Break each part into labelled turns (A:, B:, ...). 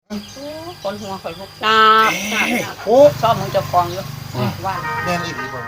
A: คนหัวข่อยพวกน้ำ
B: โอ้
A: ชอบมึงจะฟองอยู่ว่า
B: แน่นอีกบ่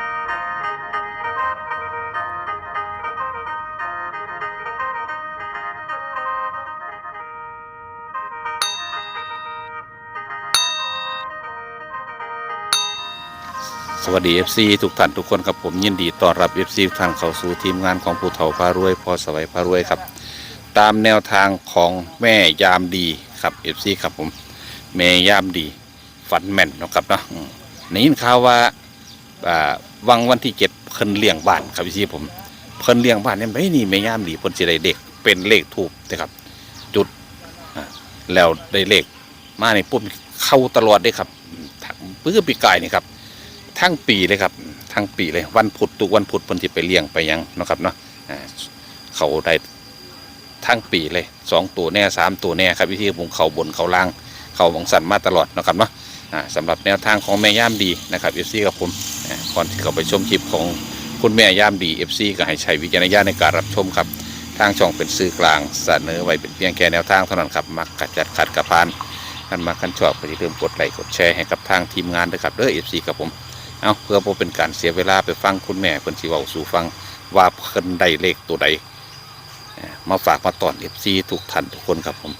C: สวัสดี FC ทุกท่านทุกคนครับผมยินดีต้อนรับ FC ทุกท่านเข้าสู่ทีมงานของผู้เฒ่าพารวยพอสวัยพารวยครับตามแนวทางของแม่ยามดีครับ FC ครับผมแม่ยามดีฝันแม่นนะครับเนาะนี่ยินข่าวว่าวันที่7เพิ่นเลี้ยงบ้านครับ FC ผมเพิ่นเลี้ยงบ้านเนี่ยไม่นี่แม่ยามดีเพิ่นสิได้เด็กเป็นเลขทูปนะครับจุดแล้วได้เลขมาในปุ๊บเข้าตลอดได้ครับเพื่อปีกายนี่ครับทั้งปีเลยครับทั้งปีเลยวันพุธทุกวันพุธเพิ่นสิไปเลี้ยงไปยังนะครับเนาะเขาได้ทั้งปีเลย2ตัวแน่3ตัวแน่ครับวิธีผมเขาบนเขาล่างเขาบังสันมาตลอดนะครับเนาะสำหรับแนวทางของแม่ย่ามดีนะครับ FC กับผมก่อนที่เขาไปชมคลิปของคุณแม่ย่ามดี FC ก็ให้ใช้วิจารณญาณในการรับชมครับทางช่องเป็นสื่อกลางเสนอไว้เป็นเพียงแค่แนวทางเท่านั้นครับมักกัดจัดขัดกระพานท่านมาขั้นชอบก็อย่าลืมกดไลค์กดแชร์ให้กับทางทีมงานด้วยครับเด้อ FC กับผมเอาเพื่อบ่เป็นการเสียเวลาไปฟังคุณแม่เพิ่นสิเว้าสู่ฟังว่าเพิ่นได้เลขตัวใดมาฝากมาตอน FC ทุกท่านทุกคนครับผม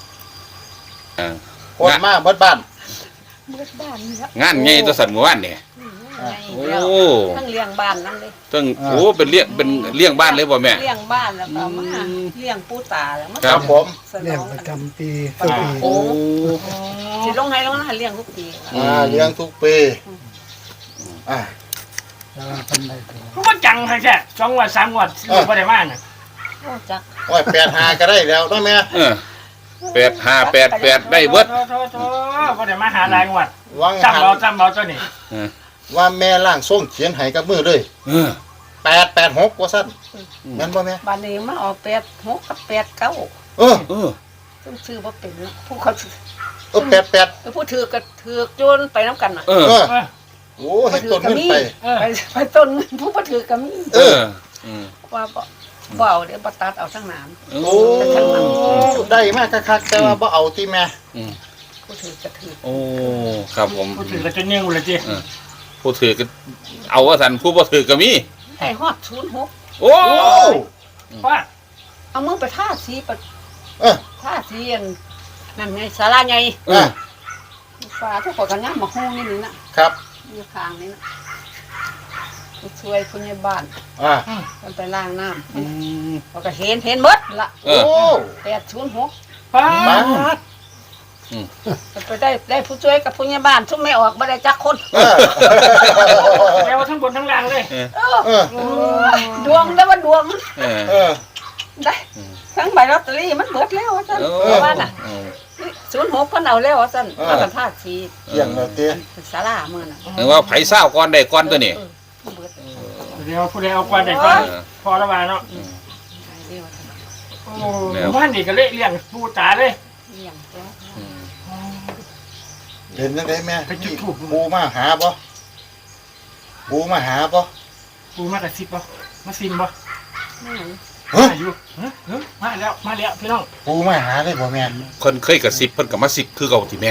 B: คนมาเบิดบ้าน
A: เมื่อบ้านนี่ละ
C: งานใหญ่ตัวสันเมื่อวานนี่โอ้
A: ทั้งเลี้ยงบ้านนั่นเลย
C: ตั้งโอ้เป็นเลี้ยงบ้านเลยบ่แม่
A: เลี้ยงบ้านแล้วก็มาเลี้ยงปู่ตาแล้วมา
B: ครับผม
D: เลี้ยงประจำปี
A: ปี
D: ทุกปี
A: โอ้สิลงให้ลงนะเลี้ยงทุกปี
B: เลี้ยงทุกปี
D: แล้วเป็นไรตัว
E: เขาก็จังให้แค่2 วัน 3 วันอยู่บ่ได้มาน่ะ
A: โอ้จัก
B: โอ้ย85ก็ได้แล้วเนาะแม่
C: 8588ได้เบิด
E: โธ่บ่ได้มาหาหลายงวด
B: วัง
E: จำเอาตัวนี้
B: ว่าแม่ล่างส่งเขียนให้กับมือเลย886ว่าซั่นแม่นบ่แม่
A: บ้านนี้มาออก86กับ89ซึ่งชื่อบ่เป็นผู้เขา
B: 88
A: ผู้ถือก็ถือโยนไปน้ำกันน่ะ
B: โอ้เฮ็ดต้นเงิน
A: ไปต้นผู้บ่ถือก็มีว่าบ่เอาเดี๋ยวบ่ตัดเอาทั้งน้ำ
B: โอ้ได้มากคักๆแต่ว่าบ่เอาติแม่
A: ผู้ถือก็ถือ
C: โอ้ครับผม
E: ผู้ถือก็จะนิ่งเลยจิ
C: ผู้ถือก็เอาว่าซั่นผู้บ่ถือก็มี
A: ให้ฮอด06
C: โอ้
E: ว่า
A: เอามือไปทาสีไปทาสีนั่นไงศาลาใหญ่ฟ้าทุกคนก็งามมาฮู้นี่นี่นะครับอยู่ข้างนี่นะช่วยผู้ใหญ่บ้านมันไปล้างน้ำเขาก็เห็นหมดละ
B: โอ้
A: 806
E: ป้า
A: ไปได้ผู้ช่วยกับผู้ใหญ่บ้านทุ่มไม่ออกบ่ได้จักคน
E: แล้วทั้งบนทั้งล่างเลย
A: ดวงได้ว่าดวงได้ทั้งใบลอตเตอรี่มันเบิดแล้วซั่นว่าน่ะ06เพิ่นเอาแล้วซั่นมากันทาสี
B: เที่ยงแล้วติ
A: ศาลามื้อน่ะ
C: นึกว่าไผเศร้าก่อนได้ก่อนตัวนี้
E: เดี๋ยวผู้ใดเอาก่อนได้ก่อนพอแล้วว่าเนาะโอ้บ้านนี่ก็เลี้ยงปู่ตาเลย
A: เลี้ยงแล้ว
B: เห็นจังได๋แม่ปูมาหาบ่ปูมาหาบ่
E: ปู่มากระซิบบ่มาซิมบ่อยู่มาแล้วพี่น้อง
B: ปูมาหาได้บ่แม่
C: คนเคยกระซิบเพิ่นก็มาซิบคือเก่าที่แม่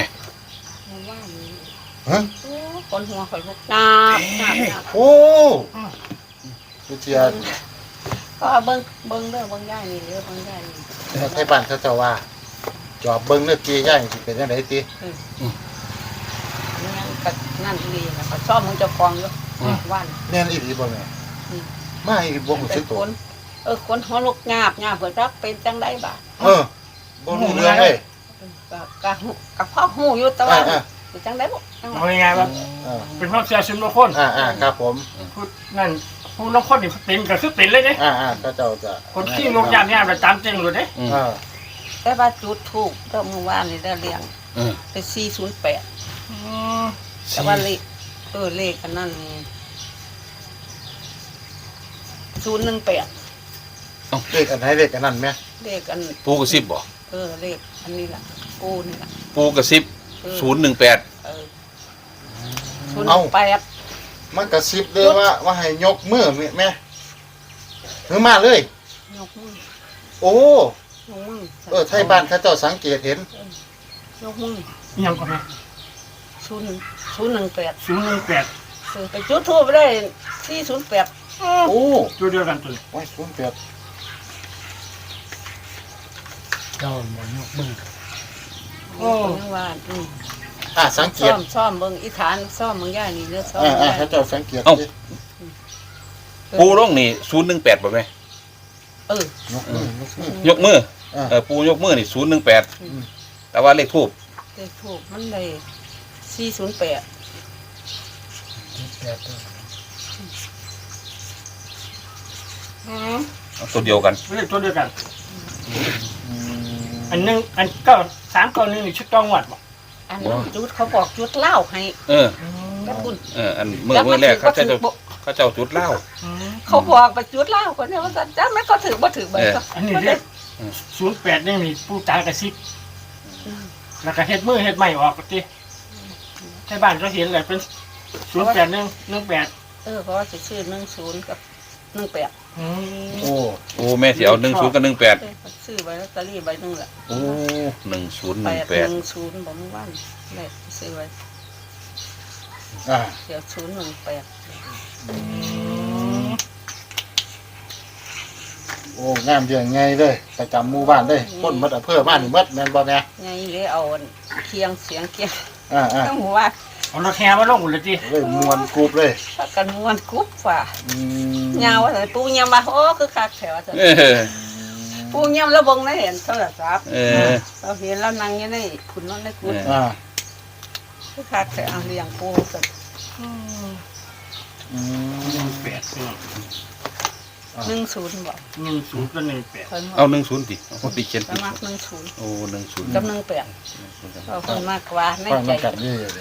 A: คนหัวข่อยพวกน้ำ
B: โอ้เจียน
A: ก็เบิ่งเด้อเบิ่งย่ายนี่เด้อเบิ่งย่ายนี่
B: ให้บ้านเขาเจ้าว่าจอบเบิ่งเด้อกี่ย่ายสิเป็นจังได๋ติ
A: นั่นดีนะก็ชอบมึงจะฟองอยู่ว่าน
B: แน่นอีหลีบ่แม่มาอีบ่ฮู้สึกตัว
A: คนหัวลูกงาบเพิ่นจักเป็นจังได๋บ่
B: บ่รู้เรื่องเลย
A: ก็พ่อฮู้อยู่แต่ว่าเป็นจังได๋บ่
E: เอาง่ายๆว่าเป็นความเชื่อส่วนบุคคล
B: ครับผม
E: นั่นผู้ลงคนนี่เป็นก็คือเป็นเลยเด้
B: ก็เจ้าจะ
E: คนที่ลงยามเนี่ยประจำจริงเลยเด้
A: แต่ว่าจุดทูปก็เมื่อวานนี่ได้เลี้ยงเป็น408แต่ว่าเลขอันนั้น018
B: เลขอันไหนเลขอันนั้นแม่
A: เลขอัน
C: ปูกระซิบบ่
A: เลขอันนี้ล่ะปูนี่ล่ะ
C: ปูกระซิบ018
B: มันกระซิบเลยว่าให้ยกมือแม่ถือมาเลย
A: ยกมือ
B: โอ้ไทยบ้านเขาเจ้าสังเกตเห็น
A: ยกมือ
E: ยังก็แม่
A: 018
E: 018
A: ซื้อไปจุดทูบไปได้408
B: โอ้
E: ตัวเดียวกันตัวนี้
B: ไว้ศูนย์แปด
D: เจ้าหมอนยกมือ
A: โอ้ยังว่า
B: สังเกต
A: ซ่อมเบิ่งอีฐานซ่อมเบิ่งย่านี่เด้อซ่อม
B: ถ้าเจ้าสังเกตดิ
C: ปูร่องนี่018บ่แม่
A: เออย
B: กมือย
C: กมือ
B: อ่า
C: ปูยกมือนี่018แต่ว่าเลขทูบ
A: เลขทูบมันได้408
D: แปดตัว
C: ตัวเดียวกัน
E: เลขตัวเดียวกัน
B: อืม
E: อันนึงอันเก้า3 9 1นี่ชุดต้องวัดบ่
A: อันนั้นจุดเขาบอกจุดเหล้าให้
C: เออ
A: แล้วคุณ
C: อันเมื่อแรกเขาเจ้าจุดเหล้า
A: เขาบอกไปจุดเหล้าคนนี้ว่าซั่นจ้าแม่ก็ถือบ่ถือไปก็
E: อันนี้เลข08นี่มีผู้ตากระซิบแล้วก็เฮ็ดมือเฮ็ดไม้ออกก็ติใช่บ้านก็เห็นเลยเป็น081 18
A: เพราะว่าสิซื้อ10กับ18
B: โอ้
C: โอ้แม่สิเอา10กับ18
A: ซื้อไว้ลอตเตอรี่ใบนึงแหละ
C: โอ้1018
A: 810บ่มื้อวานแม่ซื้อไว้
B: อ่า
A: เดี๋ยว018
B: โอ้งามเดือนไงเลยประจำหมู่บ้านเลยคนหมดอำเภอบ้านนี่หมดแม่นบ่แม่
A: ไงเลยเอาเคียงเสียงเคียง
B: อ่า
A: ต้องหัวว่า
E: เอารถแห่มาลงเลยติ
B: เลยมวนกรุ๊ปเลย
A: ถ้ากันม่วนกุ๊บฝ่า
B: อืม
A: ยาวว่าแต่ปูยามว่าโอ้คือคักแถวว่าซั่น
C: เออ
A: ปูยามแล้วเบิ่งได้เห็นโทรศัพท์
C: เออ
A: เราเห็นแล้วนั่งอยู่ในขุนนอนในกุฏ
B: อ่า
A: คือคักแถวเลี้ยงปูซั่น
B: อืม
E: 18
A: 10บ่
E: 10กับ18
A: เพิ่น
C: เอา10ดิเอาดิเขียน
A: ส
C: ผิด
A: มัคร10
C: โอ้10
A: กับ18เอาเพิ่นมากกว่าใน
B: ฟัง
A: ใจ
B: น้ำกันนี่เลย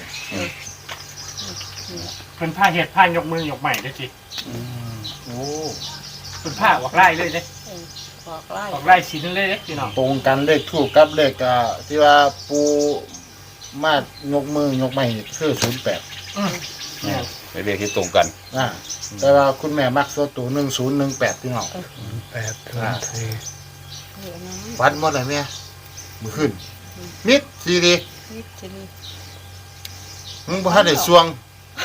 E: เพิ่นผ้าเฮ็ดผ้ายกมือยกใหม่ได้สิ
B: โอ้
E: เพิ่นผ้าออกไล่เลยเด้
A: บอกไล่
E: ออกไล่สินเลยเด้พี่น้อง
B: ตรงกันเลขทูกกับเลขที่ว่าปูมายกมือยกไม้คือ08
E: เนี่ย
C: ไปเรียกที่ตรงกัน
B: แต่ว่าคุณแม่มักตัวตัว1018พี่น้อง
D: แปดตัวสี่
B: ฟันหมดเลยแม่มือขึ้นนิดทีดี
A: นี่สินี่
B: มึงบ่ทันได้สวง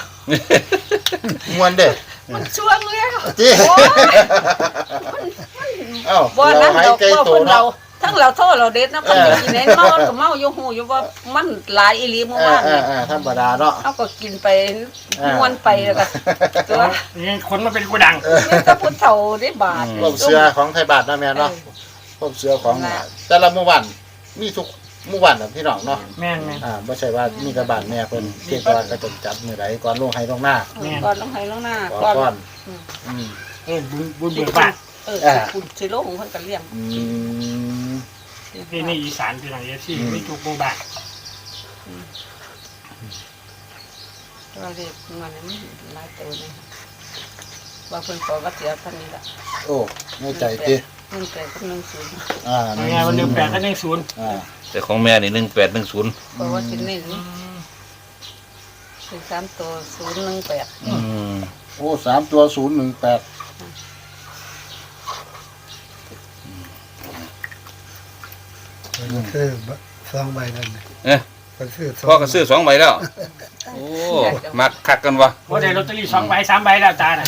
B: มวนเด้
A: มันช่วงแล้ว
B: จี
A: โอ้ย
B: เอ้า
A: บ่
B: เรา
A: นั้น
B: ให้
A: เรา
B: ไกล
A: บ่
B: โต
A: เพิ่น
B: เนาะ
A: เราทั้งเราโทษเราเด็ดนะเพิ่นก็กินเองเมาก็เมาอยู่หูอยู่ว่ามันหลายอีหลีเมื่อวานนี่
B: ธรรมดาเนาะ
A: เอาก็กินไปม่วนไปแล้วก็ตัว
E: นี่คนมาเป็นกูดัง
A: นี่ก็พุทธเฒ่าได้บาท
B: พวกเสือของไทยบาทนะแม่เนาะพวกเสือของแต่ละหมู่บ้านมีทุกหมู่บ้านน่ะพี่น้องเนาะ
E: แม่นแม่น
B: บ่ใช่ว่ามีแต่บ้านแม่เพิ่นเพียงแต่ว่าก็จะจัดมื้อใดก่อนลงให้ลงหน้า
A: ก่อนลงให้ลงหน้า
B: ก่
A: ก่อน
B: อนอืม
E: บุญเบิกบาน
A: คุณสิลงเพิ่นก็เลี้ยง
B: อืม
E: นี่อีสานพี่น้องเอฟซีไม่ถูกบูบาน
A: เราเรียกมันนี่หลายตัวนี่ว่าเพิ่นขอว่าเสียท่านนี้ล่ะ
B: โอ้ในใจติ
A: มันแต่กับ10
E: ยังไงวัน18กับ10
C: แต่ของแม่นี่1810
A: เพราะว่าสิเน้นถึง3ตัว018
B: โอ้3ตัว018
D: มันซื้อสองใบนั่นน่ะ
C: เอ๊ะ
D: มันซื้อสอง
C: พ่อก็ซื้อ2ใบแล้ว โอ้มักคักกันวะ
E: ว่าได้ลอตเตอรี่2 ใบ 3 ใบแล้วตาน่ะ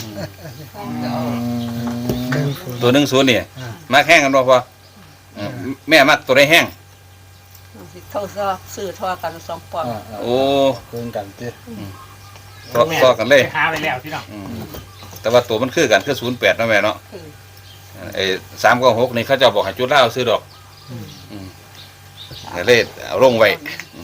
D: หนึ่งศูนย์
C: ตัว10นี่มักแห้งกันบ่พ่อแม่มักตัวได้แห้ง
A: สิเท่าซื้อทอกัน2ปอนด์
C: โอ้
B: เพิ่นกันติ
C: ต่อกันเลย
E: หาไปแล้วพี่น้อง
C: แต่ว่าตัวมันคือกันคือ08เนาะแม่เนาะไอ้3กับ6นี่เขาเจ้าบอกให้จุดเหล้าซื้อดอกเลยเอาลงไว้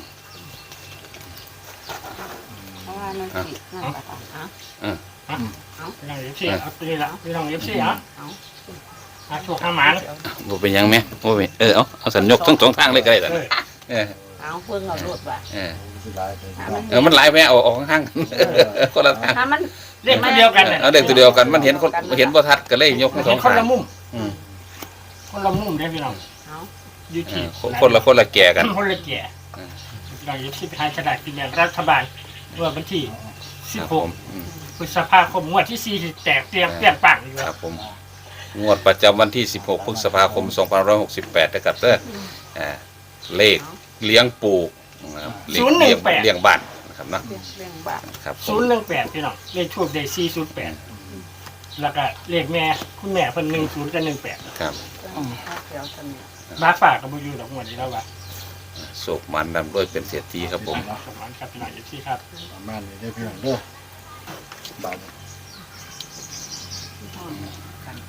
A: เพราะว่ามันสินั่นล่ะฮะ
E: พี่น้องเอฟซีเอาตัวนี้ละพี่น้องเอฟซีอ่ะหาโชคหาหมาน
C: บ่เป็นหยังแม่บ่เป็นเอาสัญญกทั้งสองทางเลยก็ได้ล่ะ
A: เอาเพิ่งเอารถว่า
B: สิหลายไป
C: มันหลายแม่เอาออกข้างๆคนละทาง
A: ถ้ามัน
E: เลขตัวเดียวกันน่ะ
C: เอาเด็กตัวเดียวกันมันเห็นคนเห็นบ่ทัดก็เลยยกทั้งส
E: เห็
C: อน ง
E: คน
C: ทาง
E: ละมุม
C: อืม
E: คนละมุมเด้พี่น้อง
A: เอา
E: อยู่ที่
C: คนละแก่กัน
E: คนละแก่พี่น้องเอฟซีไปหาฉลากกินแบ่งรัฐบาลเมื่อวันที่
C: ครับผม
E: 16 พฤษภาคมงวดที่4ที่แตกเตรียมเปรี้ยงปังอยู่
C: ครับผมงวดประจำวันที่16พฤษภาคม2568นะครับเด้อเลขเลี้ยงปลูกนะครับเลี้ยงบ้านนะครับเนาะ
A: เรื่องบ้าน
C: ครับผม
E: 018พี่น้องเลขทูบได้408แล้วก็เลขแม่คุณแม่เพิ่น10กับ18
C: ครับ
A: แถวท่านเนี่ย
E: มาฝากกับบ่อยู่ดอกหมดนี้แล้วว่า
C: โศกมันนำด้วยเป็นเศรษฐีครับผม
E: สมานครับพี่น้องอยู่ที่ครับ
B: ประมาณนี้ได้อพี่น้องเด้อบ้าน
A: ห้องกัน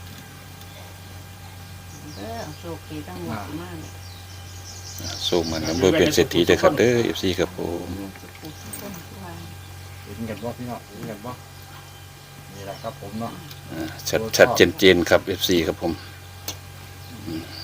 A: โชคดีทั้งหมดมาก
C: โศกมันนำด้วยเป็นเศรษฐีเลยครับเด้อ FC ครับผม
B: เห็นกันบ่พี่น้องเห็นกันบ่นี่แหละครับผมเนาะ
C: ชัดเจนๆครับ FC ครับผม
B: อืม